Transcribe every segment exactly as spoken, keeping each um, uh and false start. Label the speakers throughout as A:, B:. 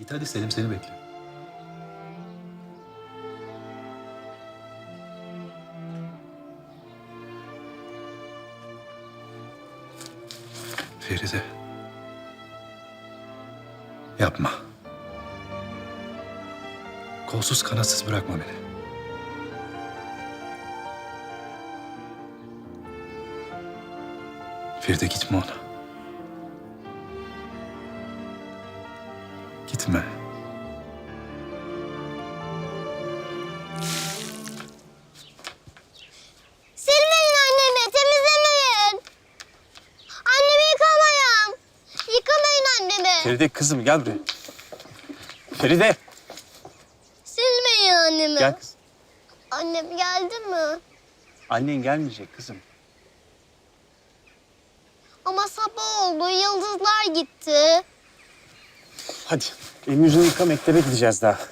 A: Git hadi, Selim seni bekliyor. Feride. Yapma. Kolsuz kanatsız bırakma beni. Feride gitme ona. Gitme.
B: Silmeyin annemi, temizlemeyin. Annemi yıkamayın. Yıkamayın annemi.
C: Feride kızım gel buraya. Feride.
B: Silmeyin annemi.
C: Gel kızım.
B: Annem geldi mi?
C: Annen gelmeyecek kızım.
B: Ama sabah oldu, yıldızlar gitti.
C: Hadi elini yüzünü yıka, mektebe gideceğiz daha.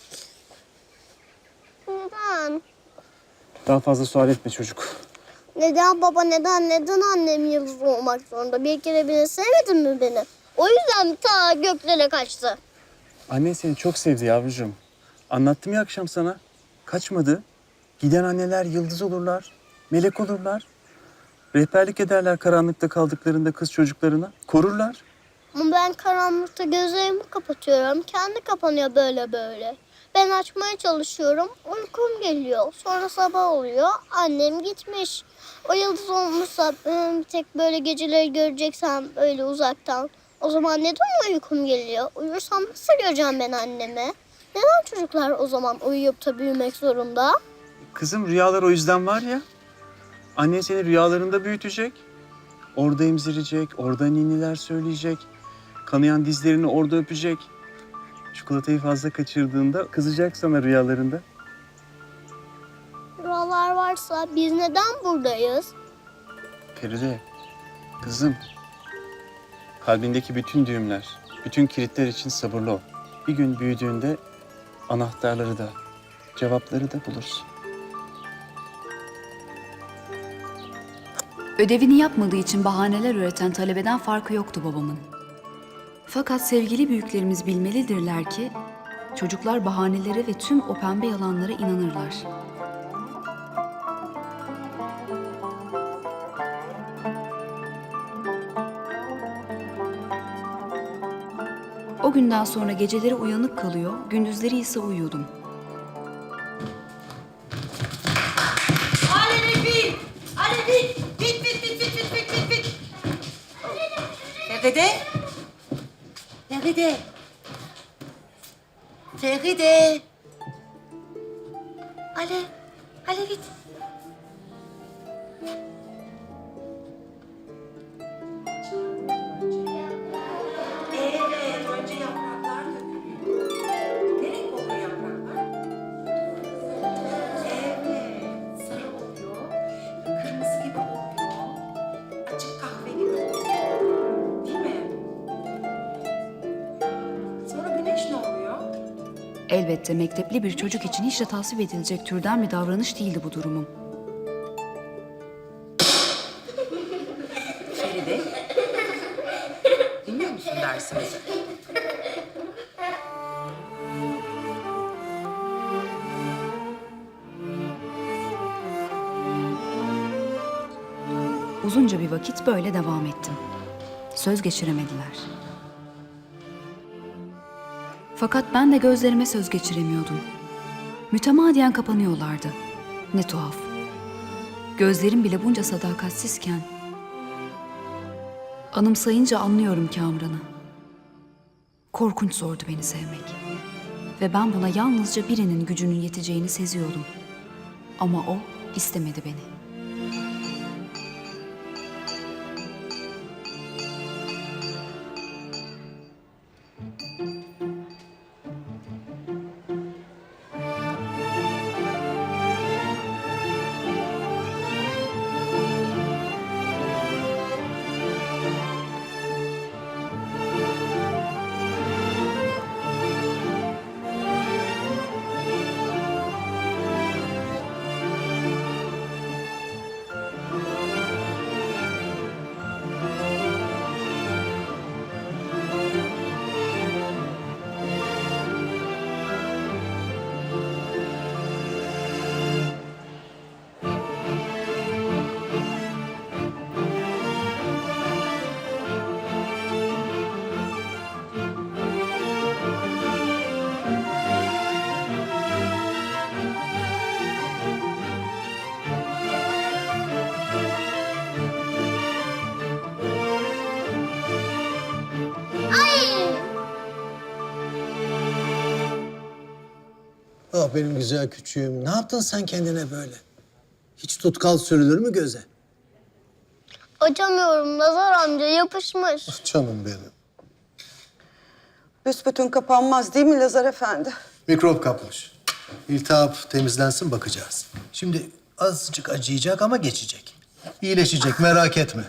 B: Neden?
C: Daha fazla sual etme çocuk.
B: Neden baba, neden, neden annem yıldız olmak zorunda? Bir kere bile sevmedin mi beni? O yüzden ta göklere kaçtı.
C: Annen seni çok sevdi yavrucuğum. Anlattım ya akşam sana. Kaçmadı. Giden anneler yıldız olurlar, melek olurlar. Rehberlik ederler karanlıkta kaldıklarında kız çocuklarına. Korurlar.
B: Ama ben karanlıkta gözlerimi kapatıyorum. Kendi kapanıyor böyle böyle. Ben açmaya çalışıyorum. Uykum geliyor. Sonra sabah oluyor. Annem gitmiş. O yıldız olmuşsa bir tek böyle geceleri göreceksem öyle uzaktan. O zaman neden uykum geliyor? Uyursam nasıl göreceğim ben annemi? Neden çocuklar o zaman uyuyup da büyümek zorunda?
C: Kızım rüyalar o yüzden var ya. Annen seni rüyalarında büyütecek. Orada emzirecek, orada ninniler söyleyecek. Kanayan dizlerini orada öpecek. Çikolatayı fazla kaçırdığında kızacak sana rüyalarında.
B: Rüyalar varsa biz neden buradayız?
C: Feride, kızım. Kalbindeki bütün düğümler, bütün kilitler için sabırlı ol. Bir gün büyüdüğünde anahtarları da, cevapları da bulursun.
D: Ödevini yapmadığı için bahaneler üreten talebeden farkı yoktu babamın. Fakat sevgili büyüklerimiz bilmelidirler ki çocuklar bahanelere ve tüm o pembe yalanlara inanırlar. O günden sonra geceleri uyanık kalıyor, gündüzleri ise uyuyordum.
E: Aleni bil! Aleni bil! Bit bit bit bit bit bit bit bit! Feride! Feride! Feride! Ale! Ale git! Evet, önce yapraklar dökülüyor. Ne renk oluyor yapraklar? Evet, sarı oluyor, kırmızı gibi oluyor, açık kahve gibi oluyor. Değil mi? Sonra güneş ne oluyor?
D: Elbette mektepli bir çocuk için hiç de tasvip edilecek türden bir davranış değildi bu durumum.
E: Feride, dinliyor musun dersimizi?
D: Uzunca bir vakit böyle devam ettim. Söz geçiremediler. Fakat ben de gözlerime söz geçiremiyordum. Mütemadiyen kapanıyorlardı. Ne tuhaf. Gözlerim bile bunca sadakatsizken anımsayınca anlıyorum Kamran'ı. Korkunç zordu beni sevmek. Ve ben buna yalnızca birinin gücünün yeteceğini seziyordum. Ama o istemedi beni.
F: Ah benim güzel küçüğüm. Ne yaptın sen kendine böyle? Hiç tutkal sürülür mü göze?
B: Açamıyorum Nazar amca, yapışmış.
F: Canım benim.
G: Büsbütün kapanmaz değil mi Lazar Efendi?
F: Mikrop kapmış. İltihap temizlensin bakacağız. Şimdi azıcık acıyacak ama geçecek. İyileşecek merak etme.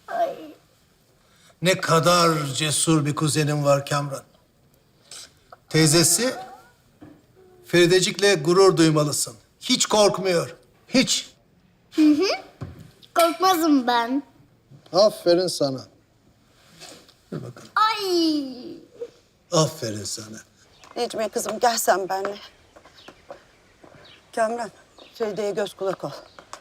F: Ne kadar cesur bir kuzenim var Kamran. Teyzesi Feridecik'le gurur duymalısın. Hiç korkmuyor. Hiç.
B: Korkmazım ben.
F: Aferin sana. Dur bakalım.
B: Ay.
F: Aferin sana.
G: Necmiye kızım gel sen benimle. Kamran, Feride'ye göz kulak ol.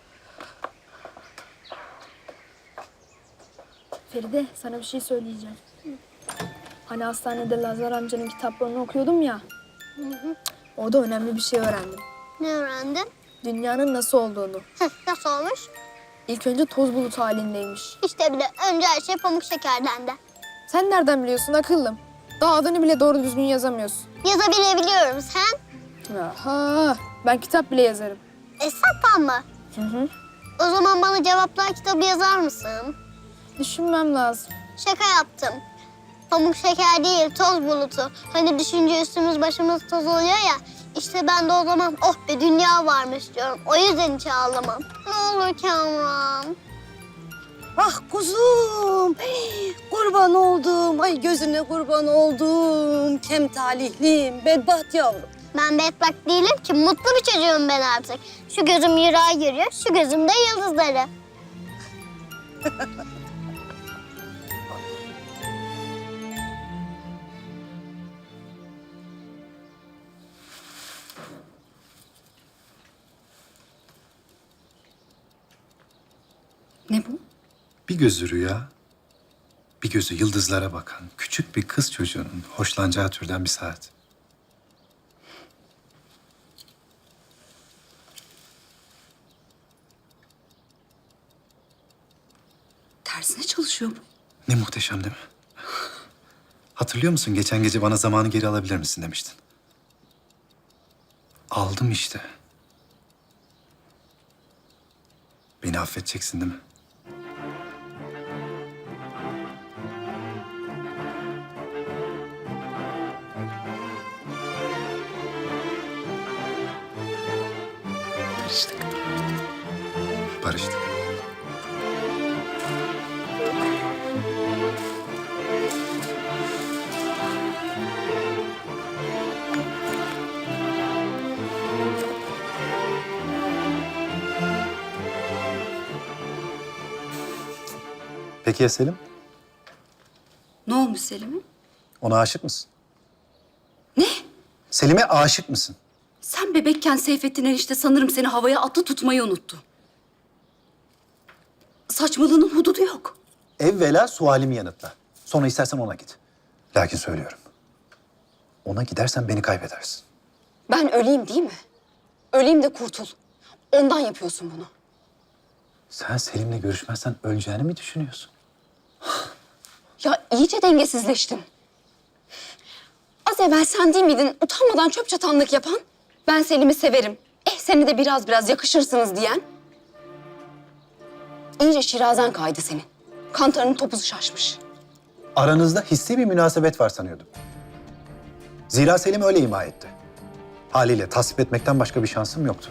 H: Feride, sana bir şey söyleyeceğim. Hani hastanede Lazar amcanın kitaplarını okuyordum ya. Orada önemli bir şey öğrendim.
B: Ne öğrendin?
H: Dünyanın nasıl olduğunu.
B: Heh, nasıl olmuş?
H: İlk önce toz bulutu halindeymiş.
B: İşte bile önce her şey pamuk şekerden de.
H: Sen nereden biliyorsun akıllım? Daha adını bile doğru düzgün yazamıyorsun.
B: Yazabilebiliyorum sen.
H: Aha, ben kitap bile yazarım.
B: Esat'tan mı?
H: Hı hı.
B: O zaman bana cevaplar kitabı yazar mısın?
H: Düşünmem lazım.
B: Şaka yaptım. Pamuk şeker değil, toz bulutu. Hani düşünce üstümüz başımız toz oluyor ya. İşte ben de o zaman oh be dünya varmış diyorum. O yüzden hiç ağlamam. Ne olur Kamran.
G: Ah kuzum, hey, kurban oldum. Ay gözüne kurban oldum. Kem talihlim, bedbaht yavrum.
B: Ben bedbak değilim ki, mutlu bir çocuğum ben artık. Şu gözüm yırağa görüyor, şu gözümde yıldızları.
D: Ne bu?
A: Bir gözü rüya, bir gözü yıldızlara bakan küçük bir kız çocuğunun hoşlanacağı türden bir saat.
D: Tersine çalışıyor bu.
A: Ne muhteşem değil mi? Hatırlıyor musun geçen gece bana zamanı geri alabilir misin demiştin. Aldım işte. Beni affedeceksin değil mi?
D: Barıştık.
A: Barıştık. Peki ya Selim?
D: Ne olmuş Selim'e?
A: Ona aşık mısın?
D: Ne?
A: Selim'e aşık mısın?
D: Sen bebekken Seyfettin enişte sanırım seni havaya attı tutmayı unuttu. Saçmalığının hududu yok.
A: Evvela sualimi yanıtla. Sonra istersen ona git. Lakin söylüyorum. Ona gidersen beni kaybedersin.
D: Ben öleyim değil mi? Öleyim de kurtul. Ondan yapıyorsun bunu.
A: Sen Selim'le görüşmezsen öleceğini mi düşünüyorsun?
D: Ya iyice dengesizleştin. Az evvel sen değil miydin utanmadan çöp çatanlık yapan? Ben Selim'i severim. Eh seni de biraz biraz yakışırsınız diyen. İyice şirazen kaydı senin. Kantarının topuzu şaşmış.
A: Aranızda hissi bir münasebet var sanıyordum. Zira Selim öyle ima etti. Haliyle tasvip etmekten başka bir şansım yoktu.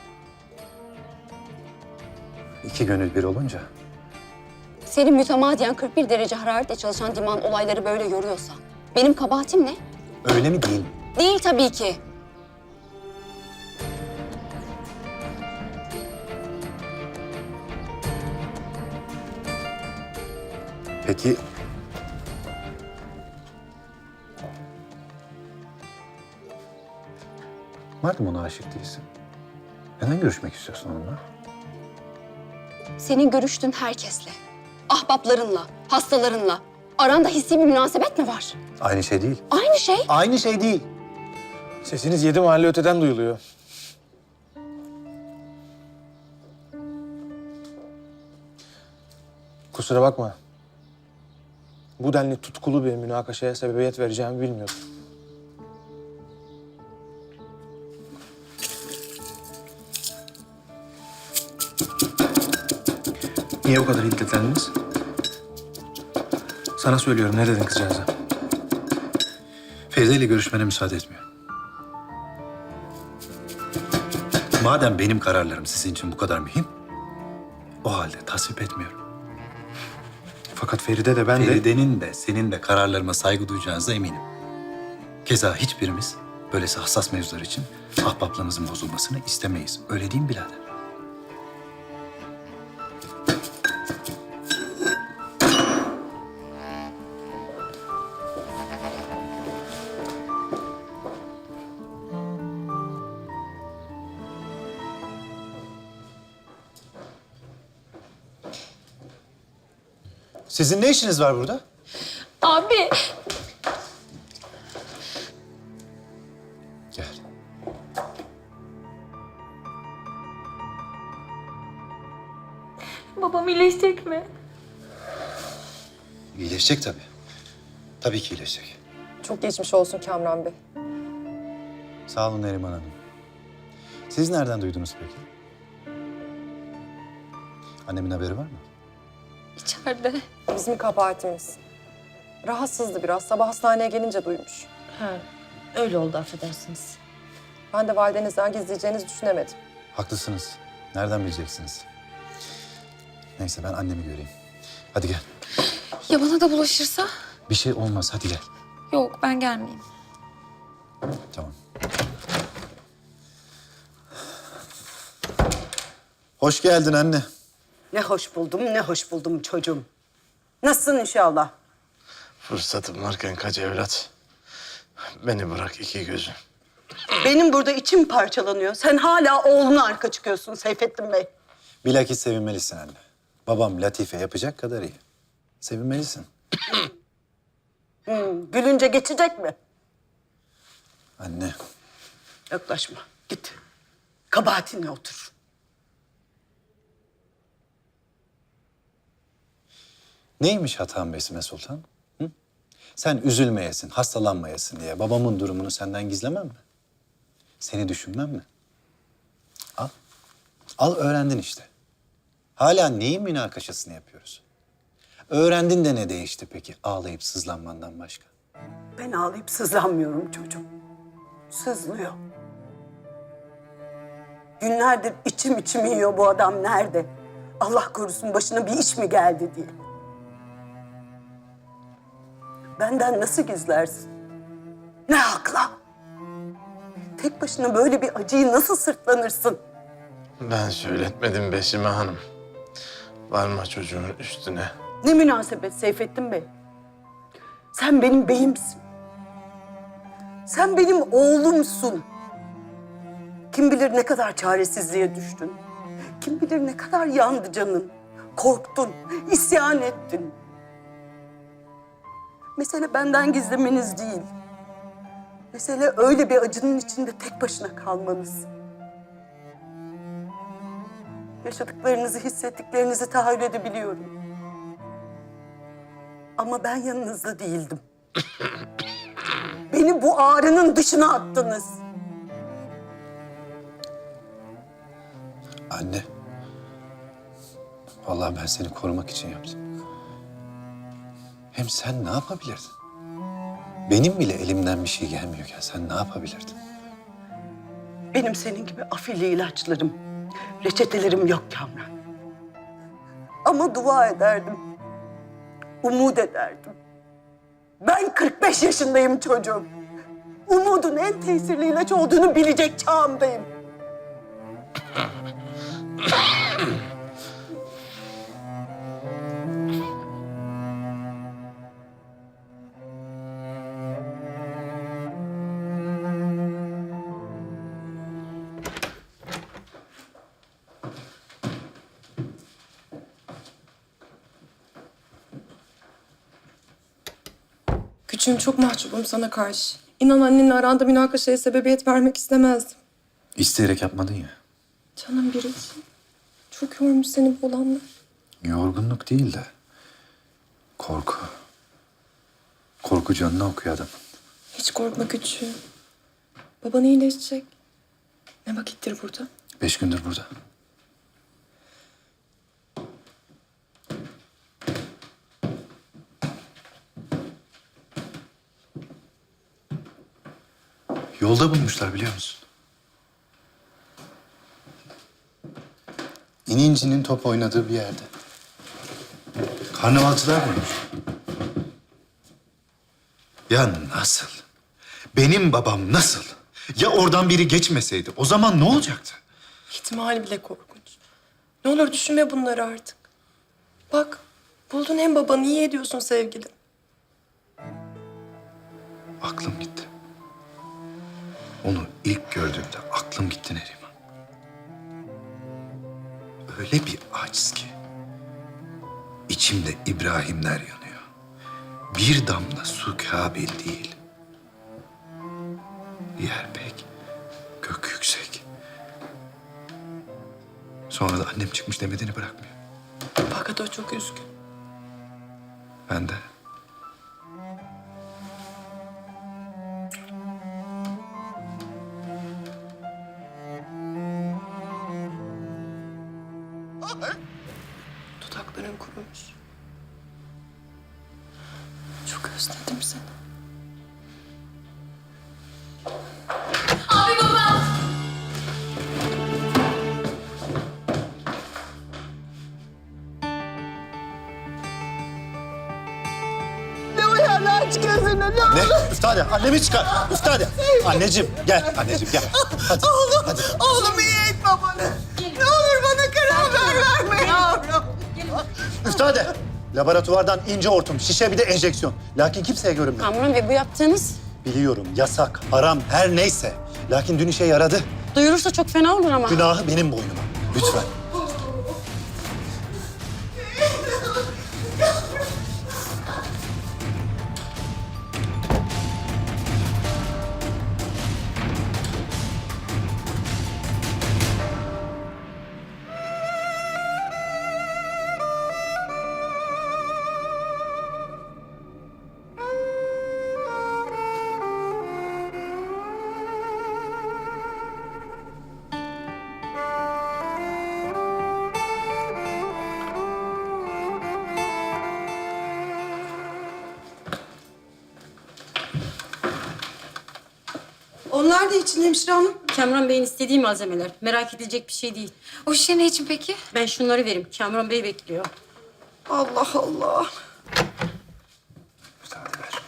A: İki gönül bir olunca
D: Senin mütemadiyen kırk bir derece hararetle çalışan diman olayları böyle yoruyorsa benim kabahatim ne?
A: öyle mi değil mi?
D: Değil tabii ki.
A: Peki madem ona aşık değilsin, neden görüşmek istiyorsun onunla?
D: Senin görüştüğün herkesle, ahbaplarınla, hastalarınla aranda hissi bir münasebet mi var?
A: Aynı şey değil.
D: Aynı şey.
A: Aynı şey değil.
C: Sesiniz yedi mahalle öteden duyuluyor. Kusura bakma. Bu denli tutkulu bir münakaşaya sebebiyet vereceğimi bilmiyordum.
I: Niye o kadar hiddetlendiniz? Sana söylüyorum, ne dedin kızcağıza?
A: Feride ile görüşmene müsaade etmiyor. Madem benim kararlarım sizin için bu kadar mühim, o halde tasvip etmiyorum.
I: Fakat Feride de ben de...
A: Feride'nin de senin de kararlarıma saygı duyacağınıza eminim. Keza hiçbirimiz böylesi hassas mevzular için ahbaplığımızın bozulmasını istemeyiz. Öyle değil mi birader? Sizin ne işiniz var burada?
D: Abi.
A: Gel.
D: Babam iyileşecek mi?
A: İyileşecek tabii. Tabii ki iyileşecek.
J: Çok geçmiş olsun Kamran Bey.
A: Sağ olun Neriman Hanım. Siz nereden duydunuz peki? Annemin haberi var mı?
D: İçeride.
J: Bizim kabahatimiz. Rahatsızdı biraz. Sabah hastaneye gelince duymuş.
E: Ha, öyle oldu affedersiniz.
J: Ben de validenizden gizleyeceğinizi düşünemedim.
A: Haklısınız. Nereden bileceksiniz? Neyse ben annemi göreyim. Hadi gel.
D: Ya bana da bulaşırsa?
A: Bir şey olmaz. Hadi gel.
D: Yok, ben gelmeyeyim.
A: Tamam. Hoş geldin anne.
G: Ne hoş buldum, ne hoş buldum çocuğum. Nasılsın inşallah?
K: Fırsatım varken kaç evlat. Beni bırak iki gözüm.
G: Benim burada içim parçalanıyor. Sen hala oğluna arka çıkıyorsun Seyfettin Bey.
A: Bilakis sevinmelisin anne. Babam Latife yapacak kadar iyi. Sevinmelisin.
G: Hmm, gülünce geçecek mi?
A: Anne.
G: Yaklaşma, git. Kabahatinle otur.
A: Neymiş hatan Besime Sultan? Hı? Sen üzülmeyesin, hastalanmayasın diye babamın durumunu senden gizlemem mi? Seni düşünmem mi? Al. Al öğrendin işte. Hala neyin münakaşasını yapıyoruz? Öğrendin de ne değişti peki ağlayıp sızlanmandan başka?
G: Ben ağlayıp sızlanmıyorum çocuğum. Sızlıyor. Günlerdir içim içimi yiyor bu adam nerede? Allah korusun başına bir iş mi geldi diye. Benden nasıl gizlersin? Ne hakla? Tek başına böyle bir acıyı nasıl sırtlanırsın?
K: Ben söyletmedim Besime Hanım. Varma çocuğun üstüne.
G: Ne münasebet Seyfettin Bey. Sen benim beyimsin. Sen benim oğlumsun. Kim bilir ne kadar çaresizliğe düştün. Kim bilir ne kadar yandı canın. Korktun, isyan ettin. Mesele benden gizlemeniz değil. Mesele öyle bir acının içinde tek başına kalmanız. Yaşadıklarınızı, hissettiklerinizi tahayyül edebiliyorum. Ama ben yanınızda değildim. Beni bu ağrının dışına attınız.
A: Anne. Vallahi ben seni korumak için yaptım. Hem sen ne yapabilirdin? Benim bile elimden bir şey gelmiyorken sen ne yapabilirdin?
G: Benim senin gibi afilli ilaçlarım, reçetelerim yok Kamran. Ama dua ederdim. Umut ederdim. Ben kırk beş yaşındayım çocuğum. Umudun en tesirli ilaç olduğunu bilecek çağımdayım.
J: Küçüğüm, çok mahcubum sana karşı. İnan annenle aranda münakaşaya sebebiyet vermek istemezdim.
A: İsteyerek yapmadın ya.
J: Canım biricim. Çok yormuş seni bu olanlar.
A: Yorgunluk değil de korku. Korku canına okuyor adamın.
J: Hiç korkma küçüğüm. Baban iyileşecek. Ne vakittir burada?
A: Beş gündür burada. Yolda bulmuşlar biliyor musun? İnincinin top oynadığı bir yerde. Karnavalcılar bulmuş. Ya nasıl? Benim babam nasıl? Ya oradan biri geçmeseydi o zaman ne olacaktı?
J: İhtimali bile korkunç. Ne olur düşünme bunları artık. Bak, buldun hem babanı, iyi ediyorsun sevgilim.
A: Aklım gitti. Onu ilk gördüğümde aklım gitti Neriman. Öyle bir aciz ki. İçimde İbrahimler yanıyor. Bir damla su kabil değil. Yer pek, gök yüksek. Sonra da annem çıkmış demediğini bırakmıyor.
J: Fakat o çok üzgün.
A: Ben de.
J: Dudakların kurumuş. Çok özledim seni.
A: Ne? Üftade, annemi çıkar. Üftade. Anneciğim, gel. Anneciğim, gel. Hadi.
G: Oğlum,
A: hadi.
G: oğlum iyi etme bana. Ne olur bana karar verme yavrum.
A: Üftade. Laboratuvardan ince hortum, şişe bir de enjeksiyon. Lakin kimseye görünmüyor.
D: Kamuran Bey bu yaptığınız
A: Biliyorum, yasak, haram, her neyse. Lakin dün işe yaradı.
D: duyulursa çok fena olur ama.
A: Günahı benim boynuma. Lütfen.
J: Onlar da için hemşire hanım.
L: Kamran Bey'in istediği malzemeler. Merak edilecek bir şey değil.
H: O şişe ne için peki?
L: Ben şunları vereyim. Kamran Bey bekliyor.
J: Allah Allah.
A: Üftade ver.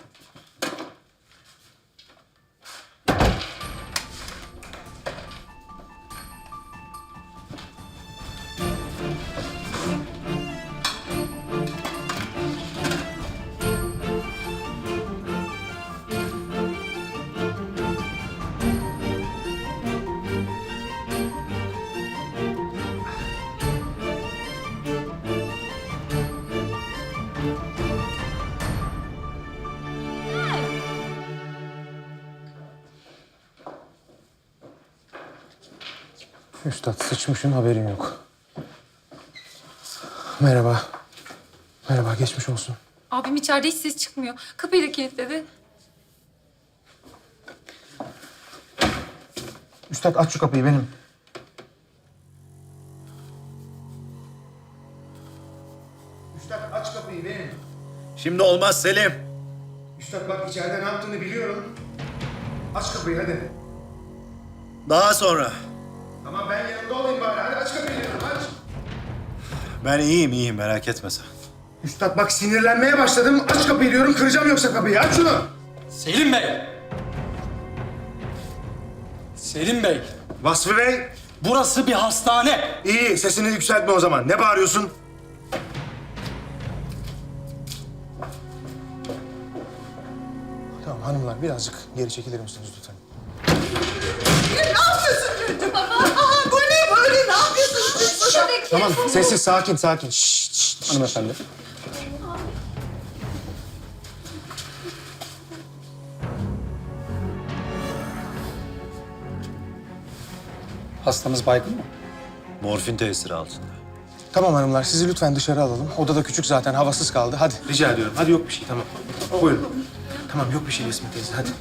I: Üstad sıçmışın haberin yok. Merhaba. Merhaba geçmiş olsun.
H: Abim içeride hiç ses çıkmıyor. Kapıyı da kilitledi.
I: Üstad aç şu kapıyı benim.
F: Üstad aç kapıyı benim.
A: Şimdi olmaz Selim.
F: Üstad bak içeride ne yaptığını biliyorum. Aç kapıyı hadi.
A: Daha sonra.
F: Tamam ben yanında olayım bari. Hadi aç kapıyı diyorum aç.
A: Ben iyiyim, iyiyim. Merak etme sen.
F: Üstad bak sinirlenmeye başladım. Aç kapıyı diyorum. Kıracağım yoksa kapıyı. Aç şunu.
M: Selim Bey! Selim Bey,
F: Vasfı Bey.
M: burası bir hastane.
F: İyi sesini yükseltme o zaman. Ne bağırıyorsun?
I: Tamam hanımlar birazcık geri çekilir misiniz lütfen?
G: Ne yapıyorsun çocuğum? Aha bu ne böyle? Ne yapıyorsunuz?
I: Tamam sessiz sakin sakin. Şşt, şşt, hanımefendi.
M: Hastamız baygın mı?
A: Morfin tesiri altında.
I: Tamam hanımlar sizi lütfen dışarı alalım. Odada küçük zaten havasız kaldı. Hadi. Rica ediyorum. Hadi yok bir şey tamam. Buyurun. Tamam yok bir şey Esme teyze hadi.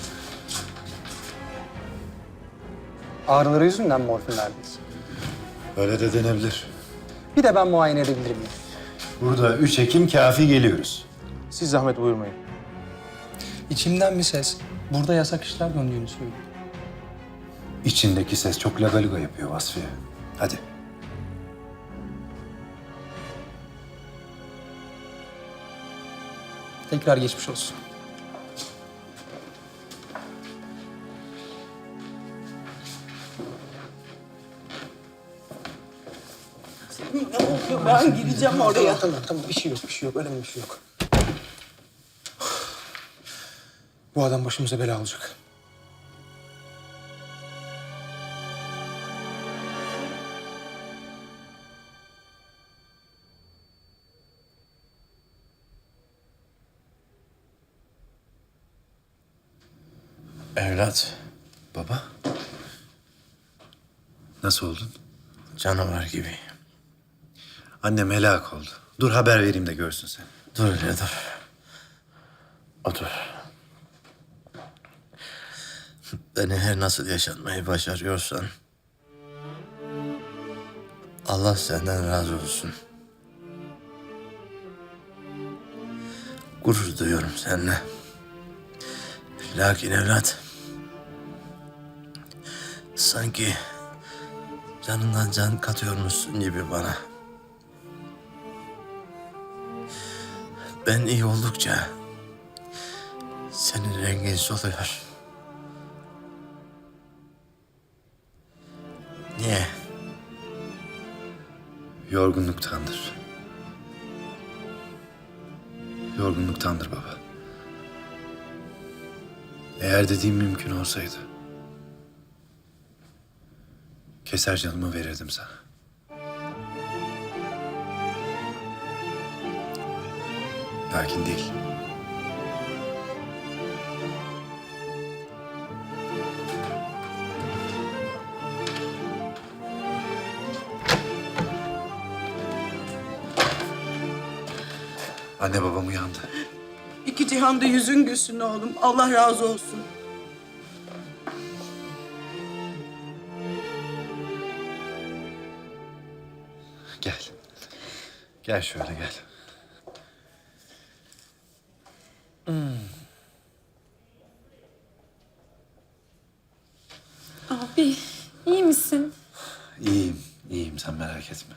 M: Ağrıları yüzünden morfin verdiniz.
A: Öyle de denebilir.
M: Bir de ben muayene edebilir miyim?
A: Burada üç Ekim kafi geliyoruz.
I: Siz zahmet buyurmayın.
M: İçimden bir ses Burada yasak işler döndüğünü söylüyor.
A: İçindeki ses çok lagaluga yapıyor Vasfiye. Hadi.
M: Tekrar geçmiş olsun.
G: Ne oluyor? Ben gireceğim oraya.
I: Tamam, tamam, tamam. Bir şey yok, bir şey yok. Önemli bir şey yok. Bu adam başımıza bela olacak.
K: Evlat,
A: Baba. Nasıl oldun?
K: canavar gibi.
A: Annem helak oldu. Dur haber vereyim de görsün sen.
K: Dur öyle dur. Otur. Beni her nasıl yaşatmayı başarıyorsan... Allah senden razı olsun. Gurur duyuyorum seninle. Lakin evlat... Sanki canından can katıyormuşsun gibi bana. Ben iyi oldukça senin rengin soluyor. Niye?
A: Yorgunluktandır. Yorgunluktandır baba. Eğer dediğim mümkün olsaydı... keser canımı verirdim sana. Lakin değil. Anne babam uyandı.
G: İki cihanda yüzün gülsün oğlum. Allah razı olsun.
A: Gel. Gel şöyle gel.
D: Abi iyi misin?
A: İyiyim, iyiyim sen merak etme.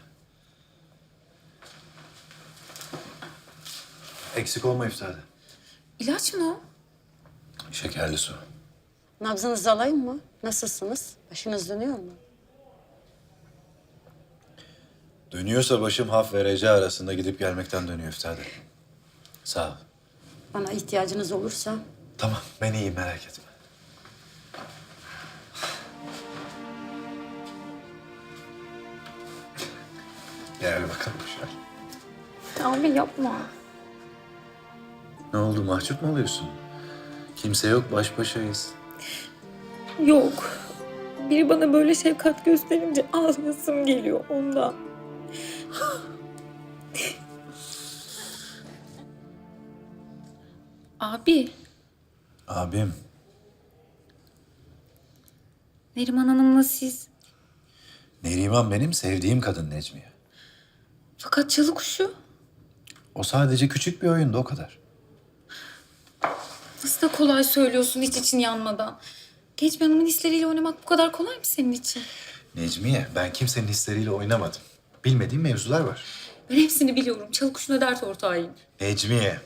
A: Eksik olma iftarda.
D: İlaç mı o?
A: Şekerli su.
L: Nabzınızı alayım mı? Nasılsınız? Başınız dönüyor mu?
A: Dönüyorsa başım haf ve reca arasında gidip gelmekten dönüyor iftarda. Sağ ol.
L: Bana ihtiyacınız olursa
A: Tamam, ben iyiyim merak etme. Gel bakalım şöyle.
D: Abi yapma.
A: Ne oldu, mahcup mu oluyorsun? Kimse yok, baş başayız.
H: Yok. Biri bana böyle şefkat gösterince ağlayasım geliyor ondan.
D: Abi,
A: Abim,
D: Neriman Hanım'la siz.
A: Neriman benim sevdiğim kadın Necmiye.
D: Fakat çalı kuşu.
A: O sadece küçük bir oyundu, o kadar.
D: Nasıl da kolay söylüyorsun hiç için yanmadan. Genç bir hanımın hisleriyle oynamak bu kadar kolay mı senin için?
A: Necmiye, ben kimsenin hisleriyle oynamadım. Bilmediğim mevzular var.
D: Ben hepsini biliyorum. Çalı kuşuna dert ortağıyım.
A: Necmiye,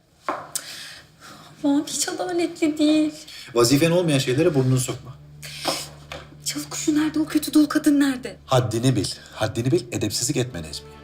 D: Aman hiç adaletli değil.
A: vazifen olmayan şeylere burnunu sokma.
D: Çalı kuşu nerede? O kötü dul kadın nerede?
A: Haddini bil, haddini bil, edepsizlik etme Necmiye.